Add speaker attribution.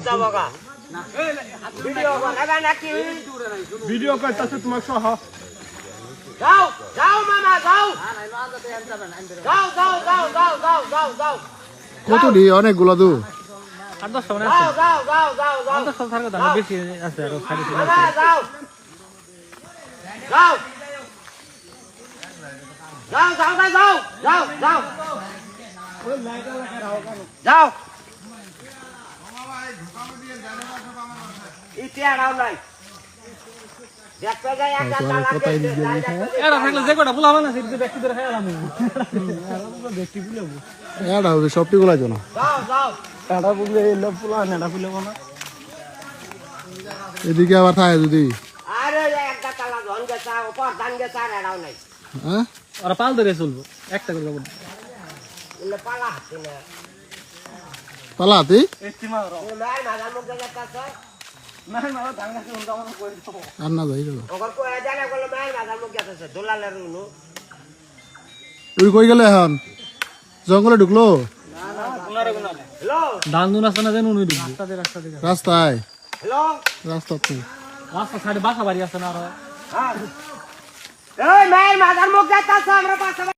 Speaker 1: যাবগা ভিডিও বানাবা নাকি
Speaker 2: ভিডিও করতেছে তোমার সহ
Speaker 1: যাও যাও মামা যাও যাও যাও যাও যাও যাও যাও যাও
Speaker 3: কত দি অনেকগুলো দু
Speaker 2: আর 10 টাকা
Speaker 1: যাও যাও যাও যাও যাও
Speaker 2: 10 টাকা থাকবে না বেশি আছে আর খালি
Speaker 1: মামা যাও যাও যাও যাও যাও যাও যাও যাও ইতিহারাও নাই দেখতে যাই একটা তালা
Speaker 2: এরা থাকলে যে কটা ফুলা বানা সেটা ব্যক্তি ধরে খাইলাম ব্যক্তি ফুলাবো
Speaker 3: এটা হবে সবটি গুলা জন
Speaker 1: যাও যাও
Speaker 2: এটা বুঝলে এই লোক ফুলা না এটা ফুলাবো না
Speaker 3: এদিকে আবার থাকে যদি
Speaker 1: আরে একটা তালা ধন গেছা উপর ধান গেছা আর এরাও নাই
Speaker 3: হ্যাঁ
Speaker 2: ওরা পাল ধরে চলবো একটা করে যাবো
Speaker 1: ইলে পালা হাতে না
Speaker 3: পালাতি
Speaker 2: এস্টিমা রো
Speaker 1: নাই মাদার মুখ দেখাচ্ছে
Speaker 2: না না ধান গাছে উল্টা মনে করে দেবো
Speaker 3: আর না যাই গেল
Speaker 1: ওগর কো জানা গেল নাই মাদার মুখ দেখাচ্ছে দোলালের উনু
Speaker 3: তুই কই গেলে এখন জঙ্গলে ঢুকলো
Speaker 1: হ্যালো
Speaker 2: ধান দুন আছে না যেন উনি ঢুকবে রাস্তা দিয়ে
Speaker 3: রাস্তায়
Speaker 1: হ্যালো
Speaker 3: রাস্তাতে
Speaker 2: রাস্তা সাইডে বাসা বাড়ি আছে না আর
Speaker 1: হ্যাঁ এই মাদার মুখ দেখাচ্ছে আমরা পাশে